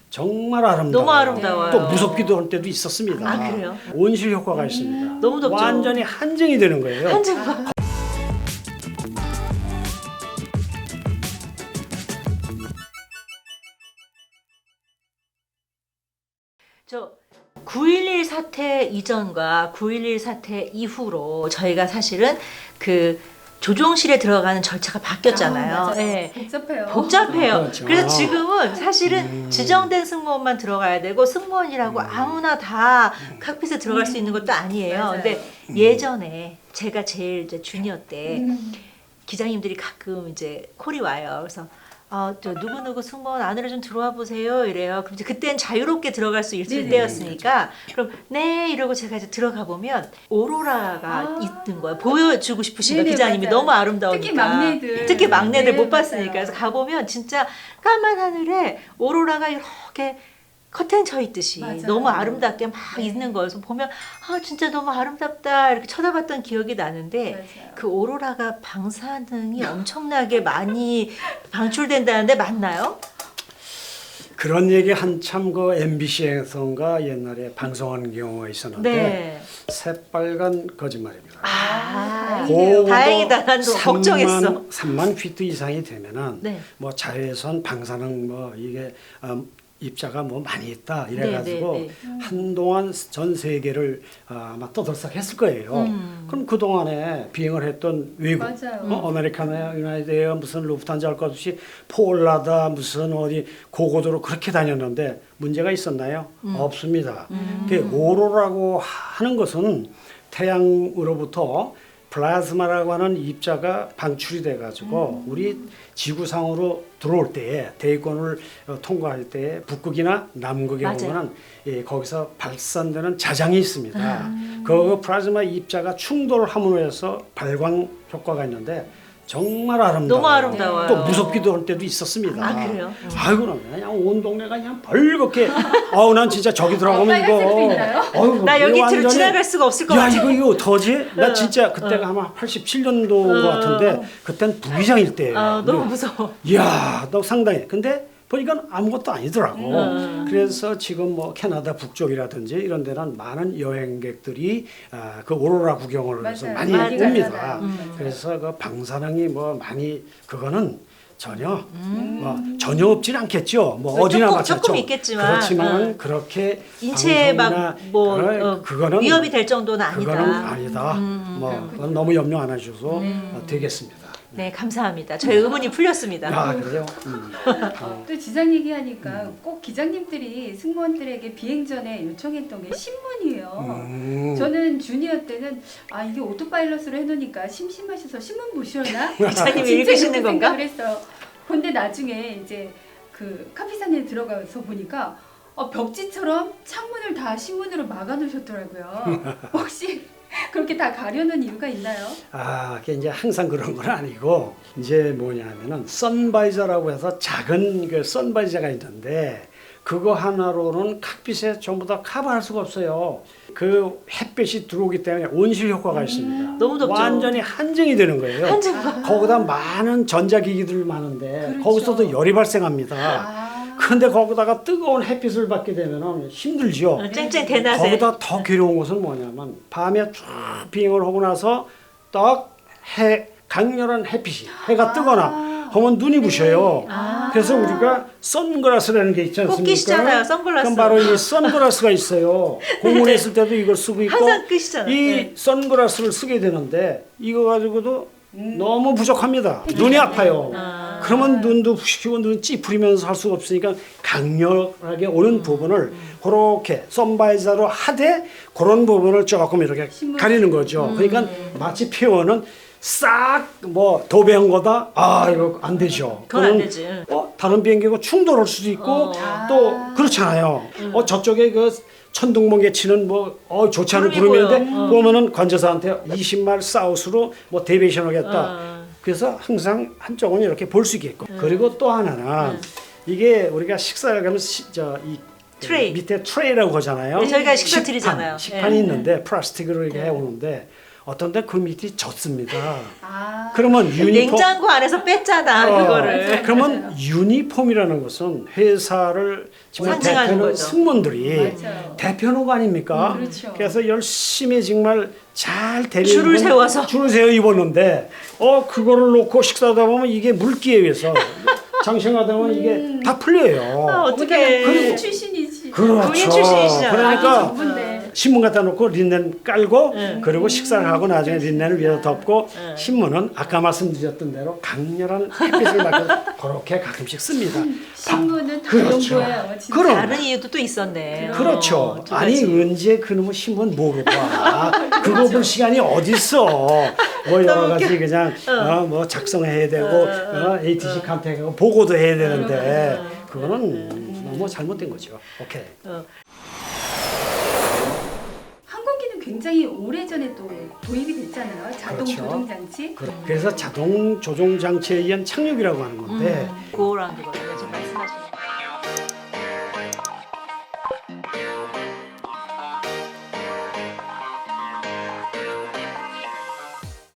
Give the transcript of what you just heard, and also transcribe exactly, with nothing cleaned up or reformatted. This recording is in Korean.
정말 아름다워요. 너무 아름다워요. 또 무섭기도 할 때도 있었습니다. 아, 그래요? 온실 효과가 있습니다. 너무 덥죠? 완전히 한증이 되는 거예요. 한증. 저 구일일 사태 이전과 구일일 사태 이후로 저희가 사실은 그 조종실에 들어가는 절차가 바뀌었잖아요. 아, 맞아요. 네. 복잡해요. 복잡해요. 그렇죠. 그래서 지금은 사실은 음. 지정된 승무원만 들어가야 되고 승무원이라고 아무나 다 칵핏에 들어갈 수 있는 것도 아니에요. 맞아요. 근데 예전에 제가 제일 이제 주니어 때 음. 기장님들이 가끔 이제 콜이 와요. 그래서 어, 저 누구누구 승무원 안으로 좀 들어와 보세요 이래요. 그럼 이제 그때는 자유롭게 들어갈 수 있을 네네. 때였으니까 그럼 네 이러고 제가 이제 들어가 보면 오로라가 아. 있는 거예요. 보여주고 싶으신 거예요. 네네, 기장님이 맞아요. 너무 아름다우니까. 특히 막내들. 특히 막내들 네, 못 맞아요. 봤으니까. 그래서 가보면 진짜 까만 하늘에 오로라가 이렇게 커튼 쳐 있듯이 맞아요. 너무 아름답게 막 네. 있는 거예요. 그래서 보면 아 진짜 너무 아름답다 이렇게 쳐다봤던 기억이 나는데 맞아요. 그 오로라가 방사능이 엄청나게 많이 방출된다는데 맞나요? 그런 얘기 한참 그 엠비씨에서인가 옛날에 방송한 경우가 있었는데 네. 새빨간 거짓말입니다. 아, 다행이네요. 다행이다. 난 너무 걱정했어. 삼만 피트 이상이 되면은 네. 뭐 자외선, 방사능 뭐 이게 음, 입자가 뭐 많이 있다 이래가지고 네, 네, 네. 한동안 전 세계를 아, 아마 떠들썩했을 거예요. 음. 그럼 그 동안에 비행을 했던 외국, 맞아요. 어, 아메리카나, 유나이드에어 무슨 루프탄자 할 것 없이 폴라다 무슨 어디 고고도로 그렇게 다녔는데 문제가 있었나요? 음. 없습니다. 음. 그 오로라고 하는 것은 태양으로부터 플라즈마라고 하는 입자가 방출이 돼가지고 음. 우리 지구상으로 들어올 때에 대기권을 어, 통과할 때 북극이나 남극에 맞아요. 보면은 예, 거기서 발산되는 자장이 있습니다. 아. 그 플라즈마 입자가 충돌함으로 해서 발광 효과가 있는데 정말 아름다워요. 너무 아름다워요. 또 무섭기도 할 때도 있었습니다. 아, 그래요? 아이고 그냥 온 동네가 그냥 벌겋게 아우 난 진짜 저기 들어가면 빨간색도 이거 있나요? 어휴, 나 여기 이거 뒤로 완전히 지나갈 수가 없을 것 야 같아. 이거 이거 어떡하지? 나 어, 진짜 그때가 아마 팔십칠 년도인 것 어. 같은데 그땐 부기장일 때예요. 아, 너무 무서워. 이야 너 상당히 근데 보니까 아무것도 아니더라고. 음. 그래서 지금 뭐 캐나다 북쪽이라든지 이런 데는 많은 여행객들이 아, 그 오로라 구경을 해서 맞아요. 많이 많이 옵니다. 가잖아요. 음. 그래서 그 방사능이 뭐 많이 그거는 전혀 음. 뭐 전혀 없진 않겠죠. 뭐 조금, 어디나 마찬가지죠. 조금 있겠지만, 그렇지만 음. 그렇게 인체에 방송이나 막뭐 그런- 어, 그거는 위협이 될 정도는 아니다. 그거는 아니다. 음, 뭐 그건 너무 염려 안 해주셔서 어, 되겠습니다. 네, 감사합니다. 저희 의문이 풀렸습니다. 아 그래요? 음. 어. 또 지장 얘기하니까 꼭 기장님들이 승무원들에게 비행 전에 요청했던 게 신문이에요. 음. 저는 주니어 때는 아 이게 오토파일럿으로 해놓으니까 심심하셔서 신문 보시려나? 기자님이 진짜 읽으시는 이렇게 건가? 생각을 했어요. 근데 나중에 이제 그 카피산에 들어가서 보니까 어, 벽지처럼 창문을 다 신문으로 막아놓으셨더라고요. 혹시 그렇게 다 가려는 이유가 있나요? 아, 그게 이제 항상 그런 건 아니고 이제 뭐냐면은 선바이저라고 해서 작은 그 선바이저가 있는데 그거 하나로는 칵빛에 전부 다 커버할 수가 없어요. 그 햇빛이 들어오기 때문에 온실 효과가 있습니다. 너무 덥죠? 완전히 한증이 되는 거예요. 한증. 거기다 많은 전자기기들 많은데 그렇죠. 거기서도 열이 발생합니다. 아, 근데 거기다가 뜨거운 햇빛을 받게 되면 힘들죠. 어, 쨍쨍 대낮에. 거기다 더 괴로운 것은 뭐냐면 밤에 쭉 비행을 하고 나서 딱 해 강렬한 햇빛이 해가 뜨거나 하면 눈이 부셔요. 아. 그래서 우리가 선글라스라는 게 있지 않습니까? 꼭 끼시잖아요, 선글라스. 그럼 바로 이 선글라스가 있어요. 공원에 있을 때도 이걸 쓰고 있고 항상 끼시잖아요. 이 네. 선글라스를 쓰게 되는데 이거 가지고도 너무 부족합니다. 눈이 아파요. 아. 그러면 눈도 부시고 눈 찌푸리면서 할 수가 없으니까 강렬하게 오는 부분을 그렇게 선바이저로 하되 그런 부분을 조금 이렇게 신문. 가리는 거죠. 그러니까 마치 표현은 싹 뭐 도배한 거다. 아 이거 안 되죠. 그건 안 그거는 되지. 어, 다른 비행기하고 충돌할 수도 있고 어. 또 그렇잖아요. 어 저쪽에 그 천둥번개 치는 뭐 어, 좋지 않은 구름이 구름인데 보여. 어. 보면은 관제사한테 이십 마일 사우스로 뭐 데비에이션 하겠다. 어. 그래서 항상 한쪽은 이렇게 볼 수 있겠고 그리고 또 하나는 이게 우리가 식사를 가면 시, 저, 이 트레이. 밑에 트레이라고 하잖아요. 네, 저희가 식사 식판, 드리잖아요. 식판이 네. 있는데 플라스틱으로 이렇게 해오는데 어떤데 그 밑이 젖습니다. 아, 그러면 유니폼 냉장고 안에서 뺐잖아 어, 그거를. 그러면 유니폼이라는 것은 회사를 정말 상징하는 대표하는 거죠. 승무원들이 맞아요. 대표하는 거 아닙니까? 음, 그렇죠. 그래서 열심히 정말 잘 대리 줄을 세워서. 줄을 세워 입었는데 어 그거를 놓고 식사하다 보면 이게 물기에 의해서 장생하다 보면 이게 다 풀려요. 아, 어떡해. 군인 출신이지. 그렇죠. 군인 출신이시잖아. 그러니까 아기 전부인데. 신문 갖다 놓고 린넨 깔고 응. 그리고 식사를 하고 나중에 린넨을 위에다 덮고 응. 신문은 아까 말씀드렸던 대로 강렬한 햇빛을 맞고 그렇게 가끔씩 씁니다. 신문은 다 그렇죠. 그런 거예요. 진짜. 그럼. 다른 이유도 또 있었네. 그렇죠. 어, 두 아니 가지. 언제 그놈의 신문 뭐고 봐. 그거 볼 시간이 어딨어. 뭐 여러 가지 그냥 어, 뭐 작성해야 되고 어, 에이티씨 컨택하고 보고도 해야 되는데 그거는 너무 잘못된 거죠. 오케이. 어. 항공기는 굉장히 오래전에 또 도입이 됐잖아요. 자동 그렇죠. 조종 장치. 그- 그래서 자동 조종 장치에 의한 착륙이라고 하는 건데 음, 고라운드 거예요. 지금 말씀하시는.